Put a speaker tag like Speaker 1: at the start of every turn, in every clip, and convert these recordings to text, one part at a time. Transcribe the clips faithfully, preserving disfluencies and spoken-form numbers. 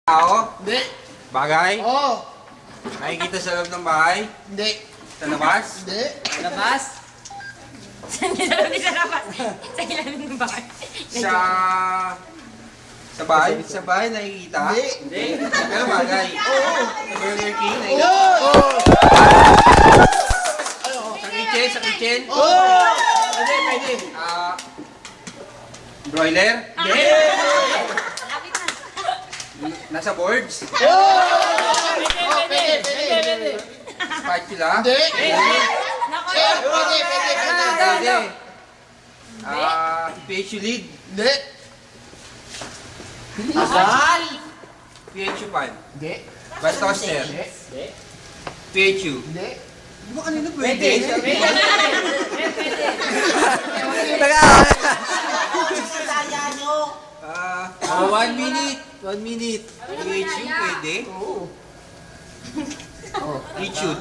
Speaker 1: Tao?
Speaker 2: Hindi.
Speaker 1: Bagay?
Speaker 2: Oo.
Speaker 1: Nakikita sa loob ng bahay?
Speaker 2: Hindi.
Speaker 1: Sa labas?
Speaker 2: Hindi.
Speaker 3: Labas?
Speaker 4: Saan niya sabi sa labas? Sa ilalim ng bahay.
Speaker 1: Sa... Sa bahay? Sa bahay nakikita?
Speaker 2: Hindi.
Speaker 1: Hindi. Pero bagay? Oo. Sa Burger King nakikita?
Speaker 2: Oo.
Speaker 1: Sa kitchen? Sa kitchen?
Speaker 2: Oo.
Speaker 1: Pwede, pwede. Ah... broiler?
Speaker 4: Hindi. Lapit na.
Speaker 1: Nasa boards?
Speaker 2: Oo. Pwede, pwede, pwede.
Speaker 1: Spatula?
Speaker 2: Hindi.
Speaker 4: Nako,
Speaker 2: Eh, Pwede, pwede, pwede.
Speaker 1: Pwede. Ah... P H U lid?
Speaker 2: Hindi.
Speaker 3: Asal?
Speaker 1: P H U pan?
Speaker 2: Hindi.
Speaker 1: Bus toaster?
Speaker 2: Hindi.
Speaker 1: P H U?
Speaker 2: Hindi.
Speaker 1: Di ba kanina
Speaker 3: Pwede.
Speaker 1: pwede? Ah, ah, one minute. One minute. P H U pwede?
Speaker 2: Oo.
Speaker 1: YouTube.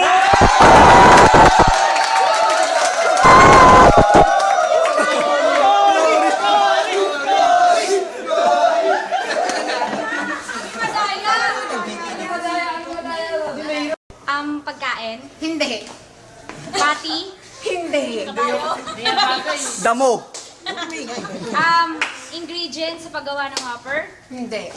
Speaker 4: Um, pagkain?
Speaker 5: Hindi.
Speaker 4: Pati?
Speaker 5: Hindi.
Speaker 6: Damo.
Speaker 4: Um, ingredients sa paggawa ng Whopper?
Speaker 5: Hindi.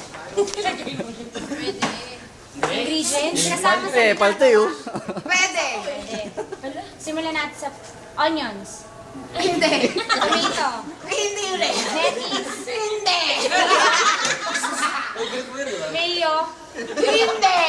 Speaker 4: Ingredients? Kasama sa
Speaker 6: Eh, palte oh.
Speaker 5: Pwede.
Speaker 4: Pwede. Simulan natin sa onions.
Speaker 5: Hindi.
Speaker 4: Tomato.
Speaker 5: Hindi rin.
Speaker 4: Lettuce.
Speaker 5: Hindi.
Speaker 4: Mayo.
Speaker 5: Hindi.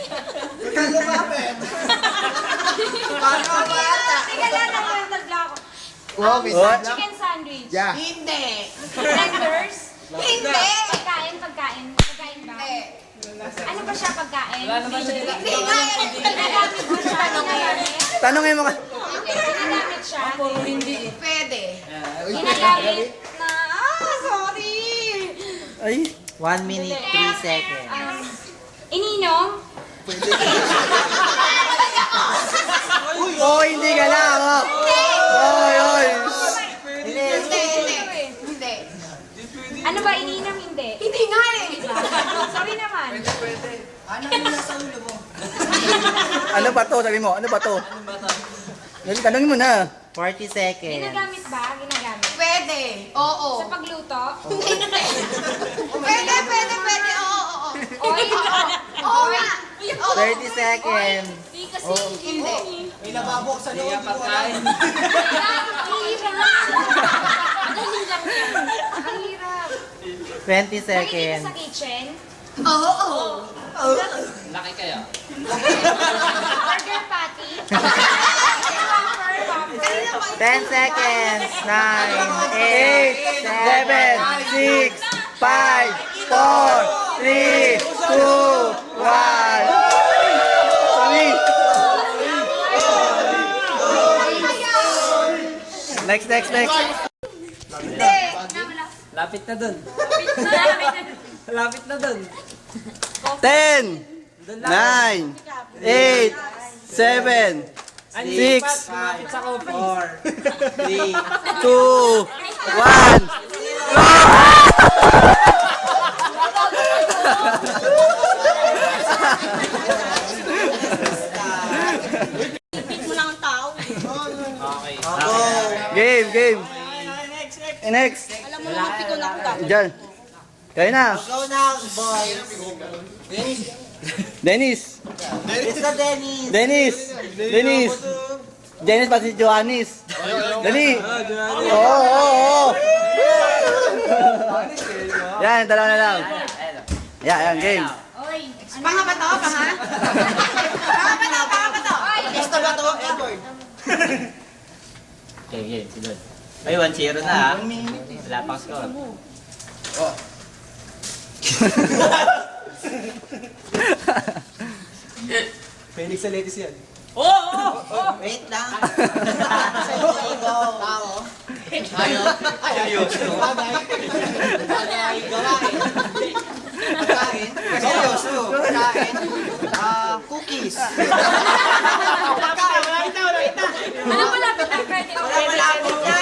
Speaker 4: Teka lang, nagtatagla ako.
Speaker 2: Wow,
Speaker 4: Um,
Speaker 2: bisa.
Speaker 4: chicken sandwich.
Speaker 2: Yeah.
Speaker 5: Hindi.
Speaker 4: Tenders.
Speaker 5: Hindi.
Speaker 4: Pagkain, pagkain. Pagkain ba?
Speaker 5: Hindi.
Speaker 4: Ano ba siya pagkain?
Speaker 3: Wala naman siya dito.
Speaker 5: Hindi nga yan.
Speaker 4: Ginagamit mo siya. Ginagamit.
Speaker 6: Tanongin mo ka.
Speaker 4: Ginagamit siya.
Speaker 5: Pwede.
Speaker 4: Ginagamit na... Ah, sorry.
Speaker 6: Ay.
Speaker 3: One minute, three seconds.
Speaker 4: Um, ininom.
Speaker 6: Oh, hindi ka lang oh. Oy, oy.
Speaker 5: Hindi. Hindi. Hindi.
Speaker 4: Ano ba, ininom? Hindi.
Speaker 5: Hindi nga eh.
Speaker 4: Sorry naman.
Speaker 6: Ano ba to? Sabi mo, ano ba to? Tanongin mo na.
Speaker 3: forty seconds.
Speaker 4: Ginagamit ba? Ginagamit.
Speaker 5: Pwede. Oo.
Speaker 4: Sa pagluto?
Speaker 5: Hindi. Pwede, pwede, pwede. Oo, oo, oo.
Speaker 4: Oil?
Speaker 5: Oo nga. Oo.
Speaker 3: thirty seconds.
Speaker 4: Hindi kasi.
Speaker 5: Hindi.
Speaker 3: May lababo sa loob. Hindi pagkain.
Speaker 4: Ang hirap. Ang hirap yan. Ang hirap.
Speaker 3: twenty
Speaker 4: Nakikita
Speaker 3: seconds.
Speaker 4: sa kitchen?
Speaker 5: Oo, oo.
Speaker 3: Laki kaya.
Speaker 4: Burger patty? Whopper, whopper.
Speaker 3: ten seconds. nine,
Speaker 6: Eight,
Speaker 3: eight,
Speaker 6: seven, six, five, four, three, two, one. Sorry. Next, next, next.
Speaker 5: Hindi.
Speaker 3: Lapit na dun.
Speaker 4: Malapit na.
Speaker 3: Lapit na dun.
Speaker 6: Ten, nine, eight, seven, six,
Speaker 3: Lapit sa coffee. four, three,
Speaker 6: two, one.
Speaker 3: okay.
Speaker 6: Game, game. Eh, next.
Speaker 5: Alam mo naman, piko na ako gagawin.
Speaker 6: Diyan. Kayo na.
Speaker 3: Go now, boys.
Speaker 6: Dennis.
Speaker 3: It's the Dennis.
Speaker 6: Dennis. Dennis. Dennis pati si Johannes. Dali. Oo, oo, oo. Yan, dalawa na lang. Yan, yan, game.
Speaker 4: Oy.
Speaker 5: Panga ba to? Panga? Panga ba to? Panga ba to?
Speaker 3: Gusto ba ito? Edward. Okay, game. Silod. Ay, one zero na ha. Wala pang score.
Speaker 2: Felix sa ladies yan.
Speaker 3: Oo! Oh, oh, wait lang. Sa ego. Tao. Ayaw. Ayaw. Bagay. Gawain. Pagkain. Seryoso. Pagkain. Ah, cookies. Pagkain. Wala kita, wala kita.
Speaker 4: Ano malapit na pwede?
Speaker 3: Wala malapit na.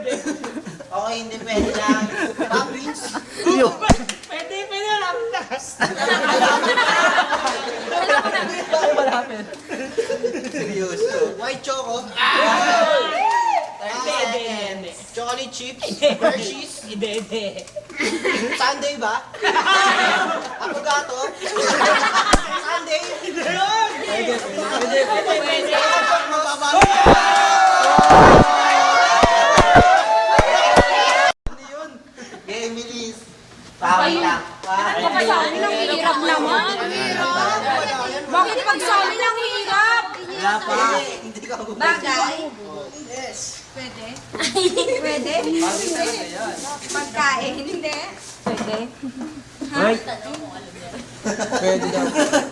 Speaker 3: Okay, hindi pwede lang. Muffins.
Speaker 6: Yo.
Speaker 3: Pwede, pwede lang.
Speaker 1: Seryoso.
Speaker 3: White choco.
Speaker 5: Hindi, hindi, hindi.
Speaker 3: Chocolate chips. Hershey's.
Speaker 5: Hindi, hindi.
Speaker 3: Sunday ba? Affogato. Sunday.
Speaker 5: Pwede, pwede.
Speaker 3: Emily's. Pawin lang.
Speaker 4: Bakit sa amin ang hirap naman? Bakit pag sa amin ang hirap?
Speaker 3: Wala pa. Hindi ka
Speaker 4: Bagay? Pwede? Pwede? Pagkain? Hindi. Pwede?
Speaker 2: Pwede daw.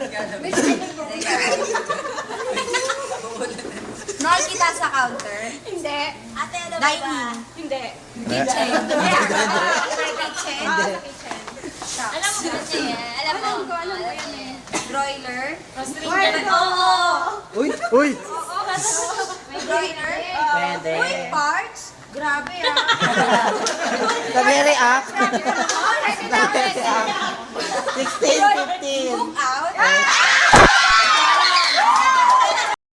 Speaker 4: Nol kita sa counter? Hindi. Ate, ano ba? Dining? Hindi. Kitchen? Hindi. Kitchen? Kitchen. Alam mo kasi yan. Alam mo. Alam ko, alam ko yan eh. Broiler? Roaster? Oo.
Speaker 6: Uy, uy.
Speaker 4: Oo, may broiler?
Speaker 3: Pwede.
Speaker 4: Uy, parts? Grabe ah.
Speaker 6: Nagre-react.
Speaker 4: Grabe ka naman. Pwede na, pwede.